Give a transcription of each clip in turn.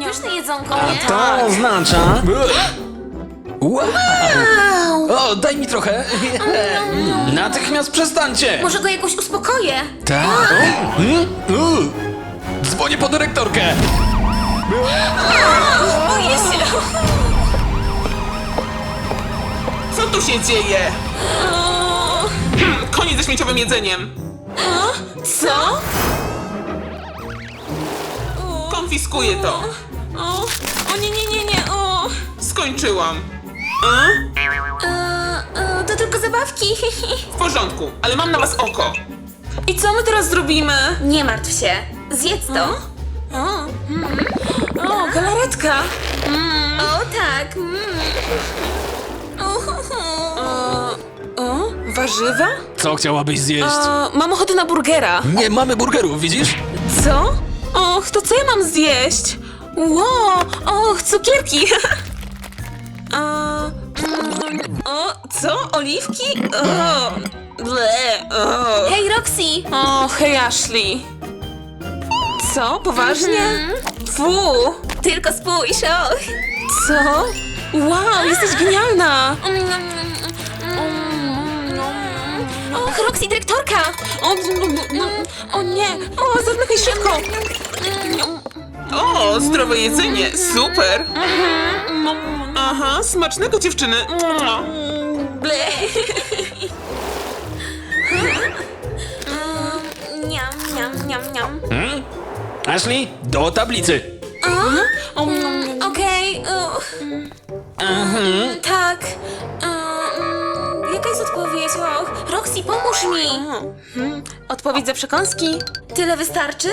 pyszne jedzonko, A nie? to oznacza... Wow! O, daj mi trochę. Natychmiast przestańcie. Może go jakoś uspokoję. Tak. Dzwonię po dyrektorkę. Boję się. Co tu się dzieje? Koniec ze śmieciowym jedzeniem. Co? Konfiskuję to. O nie, nie, nie, nie, o. Skończyłam. To tylko zabawki. W porządku, ale mam na was oko. I co my teraz zrobimy? Nie martw się. Zjedz to. O, galaretka. O, tak. Warzywa? Co chciałabyś zjeść? Mam ochotę na burgera. Nie mamy burgerów, widzisz? Co? Och, to co ja mam zjeść? Wow, och, cukierki. O, co? Oliwki? O, ble, o. Hej, Roxy! O, hej, Ashley. Co? Poważnie? Fu! Tylko spójrz, och. Co? Wow, jesteś genialna! Och, Roxy, dyrektorka! O nie! O, zamykaj szybko! O, zdrowe jedzenie, super. Aha, smacznego dziewczyny. Ble. Niam, niam, niam, niam. Ashley, do tablicy. Okej. Tak. Jaka jest odpowiedź? Och, Roxy, pomóż mi. Odpowiedź za przekąski. Tyle wystarczy?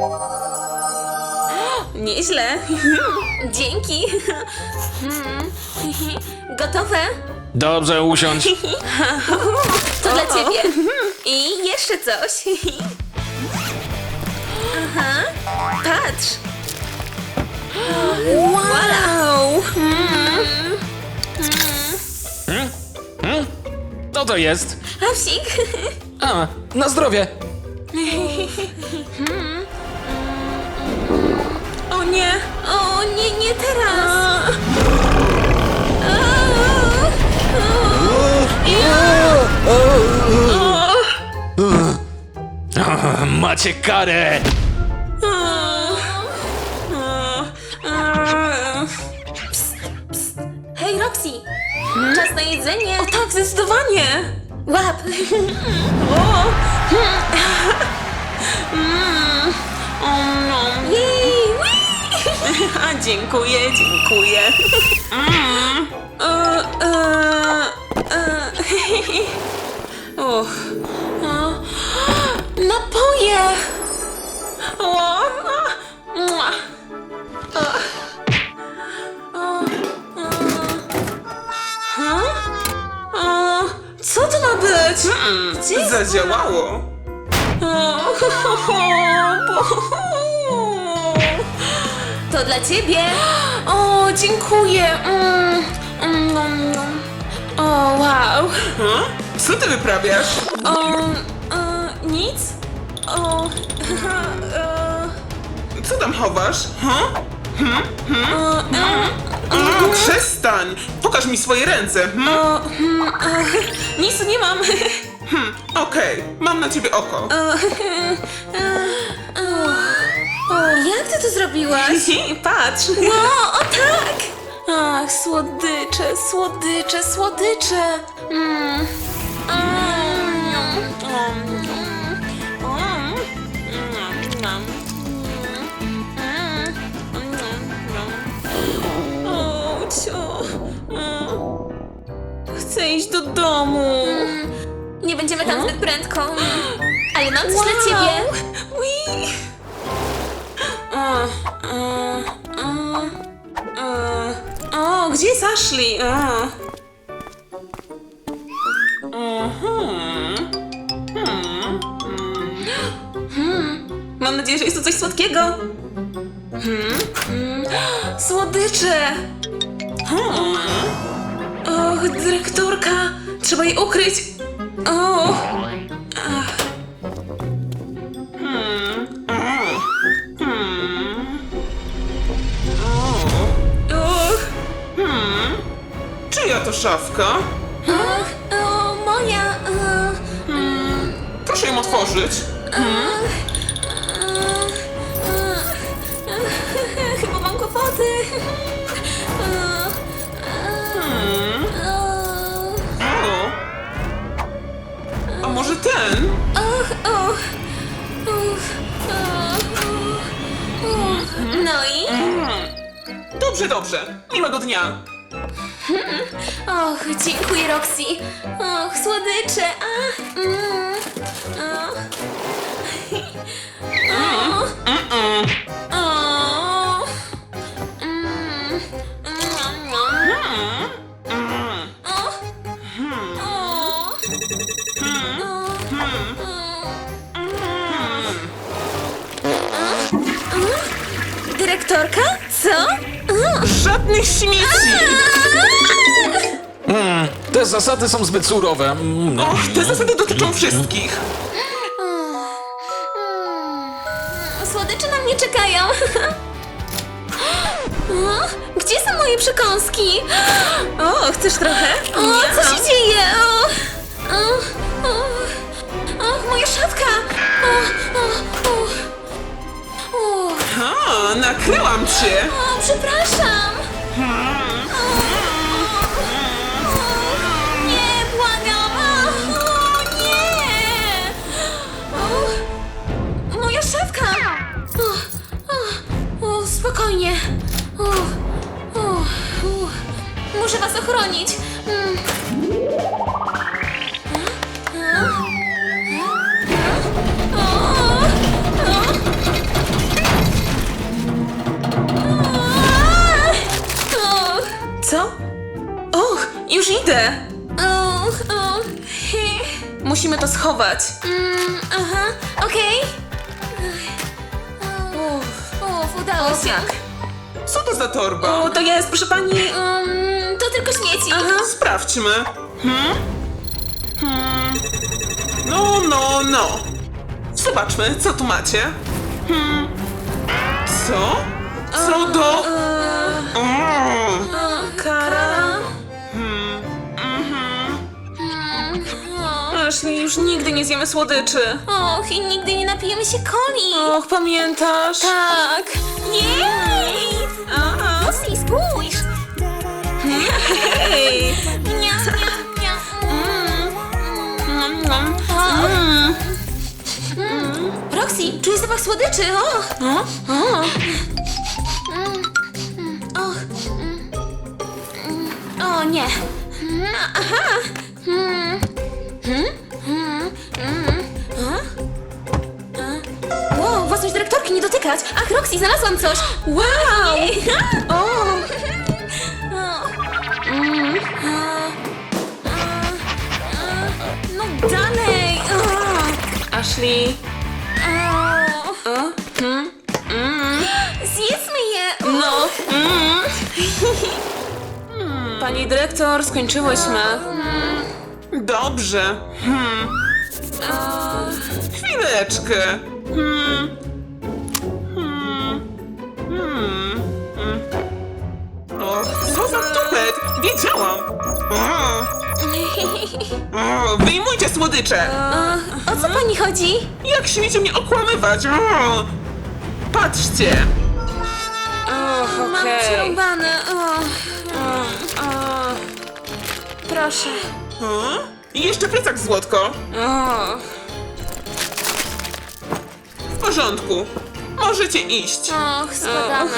Nieźle. Dzięki. Gotowe? Dobrze, usiądź. To dla ciebie. I jeszcze coś. Aha. Patrz. Wow. Co to jest? Psik. A, na zdrowie. O nie. O nie, nie teraz. Macie karę. Hej, Roxy. Czas na jedzenie. O tak, zdecydowanie. Łap. Jej. A, dziękuję, dziękuję. Napoje. Co to ma być? Gdzie jest? Zadziałało. To dla ciebie. O, dziękuję. O, wow. Co ty wyprawiasz? Nic? O, Co tam chowasz? Przestań! Pokaż mi swoje ręce. nic nie mam. Okej, mam na ciebie oko. Jak ty to zrobiłaś? Patrz. O, o tak! Ach, słodycze, słodycze, słodycze. O, cio. Chcę iść do domu. Nie będziemy tam zbyt prędko. Ale mam coś dla ciebie. O, gdzie jest Ashley? Mam nadzieję, że jest to coś słodkiego. Słodycze! Och, dyrektorka! Trzeba jej ukryć! O! Czyja to szafka? O, moja. Proszę ją otworzyć. Chyba mam kłopoty. O. A może ten? No i? Dobrze, dobrze. Miłego dnia. Och, dziękuję, Roxy. Och, słodycze. Dyrektorka? Co? Żadnych śmieci! Te zasady są zbyt surowe. Och, te zasady dotyczą wszystkich. Słodycze na mnie czekają. Gdzie są moje przekąski? O, chcesz trochę? O, co się dzieje? Moja szafka! A, nakryłam cię. Przepraszam! Nie, błagam! Nie! Moja szafka! Spokojnie. Muszę was ochronić. Co? Och, już idę. Musimy to schować. Aha, okej. Udało się. Co to za torba? O, to jest, proszę pani. To tylko śmieci. Sprawdźmy. No, no, no. Zobaczmy, co tu macie. Co? Co do... Kara. Ashley, już nigdy nie zjemy słodyczy. Och, i nigdy nie napijemy się coli. Och, pamiętasz? Tak. Jej! Mocniej spójrz. Hej! Miam, miam, miam. Roxy, czuję zapach słodyczy. O nie. Aha. Wow, własność dyrektorki, nie dotykać. Ach, Roxy, znalazłam coś. Wow. No dalej. Ashley. Zjedzmy je. No. Pani dyrektor, skończyłyśmy. Dobrze. Chwileczkę. O, co za tupet? Wiedziałam. Wyjmujcie słodycze. O co pani chodzi? Jak śmiecie mnie okłamywać? Patrzcie. Och, Mam okej. przerąbane. Proszę. I jeszcze plecak złotko. W porządku. Możecie iść. Och, spadamy.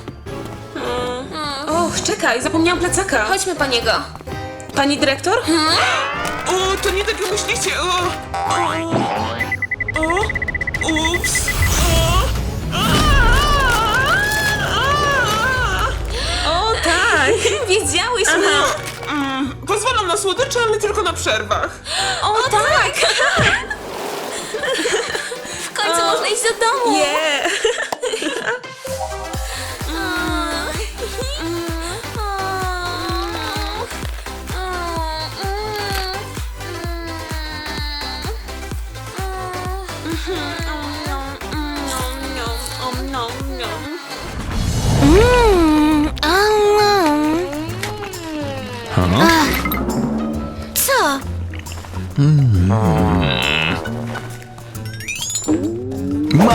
Och, czekaj, zapomniałam plecaka. Chodźmy po niego. Pani dyrektor? O, to nie tak jak myślicie. Ups. O, tak. Wiedziałyśmy. Pozwalam na słodycze, ale tylko na przerwach. O tak. W końcu można iść do domu. Nie.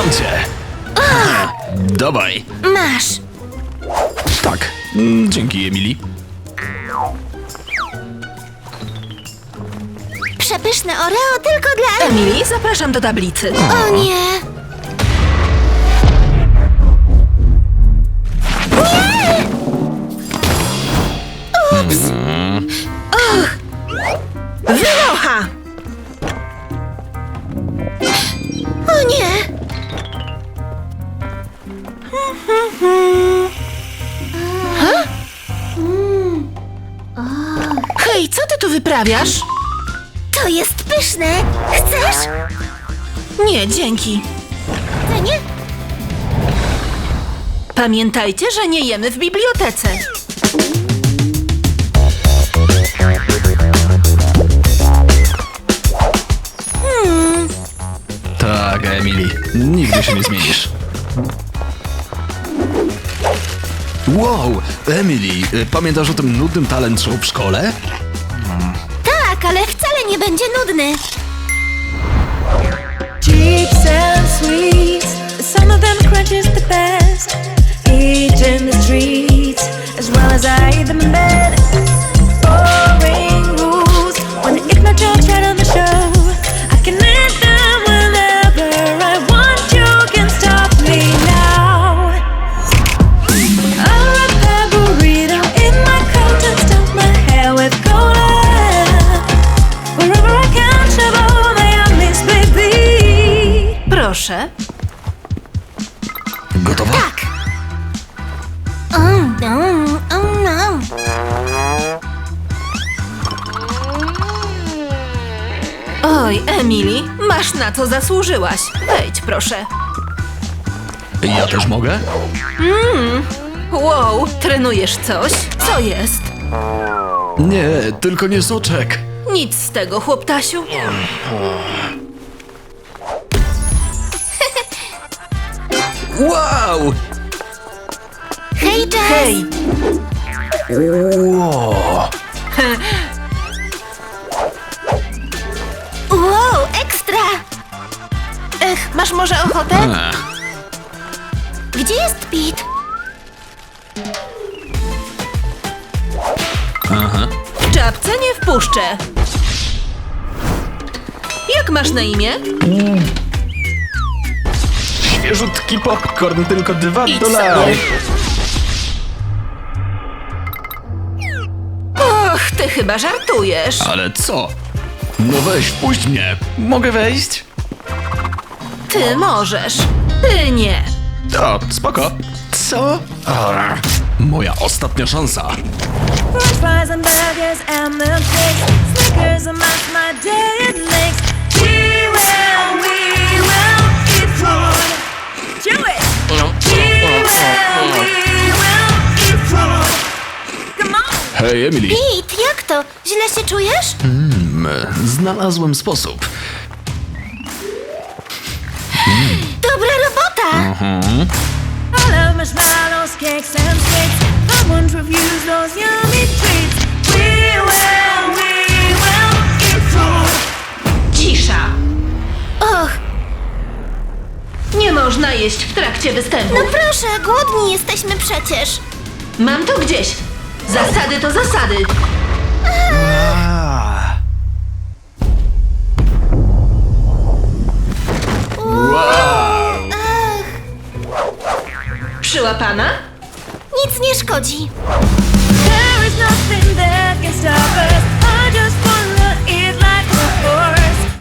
Mam cię. Dawaj. Masz. Tak. Dzięki, Emily. Przepyszne Oreo tylko dla Emily, zapraszam do tablicy. O nie! Wynocha! O nie! Hej, co ty tu wyprawiasz? To jest pyszne! Chcesz? Nie, dzięki. To nie? Pamiętajcie, że nie jemy w bibliotece. Tak, Emily. Nigdy się nie zmienisz. Wow, Emily, pamiętasz o tym nudnym talent show w szkole? Tak, ale wcale nie będzie nudny. Chips and sweets, some of them crunches the best. Eat in the streets, as well as I eat them in bed. Boring rules, when the ignorant jokes right on the show. I can end them whenever I want. You can stop me now. I'll wrap that burrito in my coat and stuff my hair with cola. Wherever I can, travel my miss baby. Proszę. Gotowa? Tak. No. Oj, Emily, masz na co zasłużyłaś. Wejdź, proszę. Ja też mogę? Wow, trenujesz coś? Co jest? Nie, tylko nie soczek. Nic z tego, chłoptasiu. Wow! Hej, Jess! Hej, Wow! Wow, ekstra! masz może ochotę? Gdzie jest Pete? W czapce nie wpuszczę. Jak masz na imię? Świeżutki popcorn, tylko $2. sobie. Och, ty chyba żartujesz. Ale co? No weź, wpuść mnie. Mogę wejść? Ty możesz. Ty nie. O, spoko. Co? Moja ostatnia szansa. French fries and burgers and milkshakes. Snickers and my day it makes. We will eat food. Do it! We will eat food. Come on! Hej, Emily. Pete, jak to? Źle się czujesz? Znalazłem sposób. Dobra robota! I love marshmallows, cakes and sweets. I won't refuse those yummy treats. We will eat food. Cisza. Och, Nie można jeść w trakcie występu. no proszę, głodni jesteśmy przecież. Mam to gdzieś. Zasady to zasady. Wow! Przyłapana? Nic nie szkodzi. There is nothing that can stop us.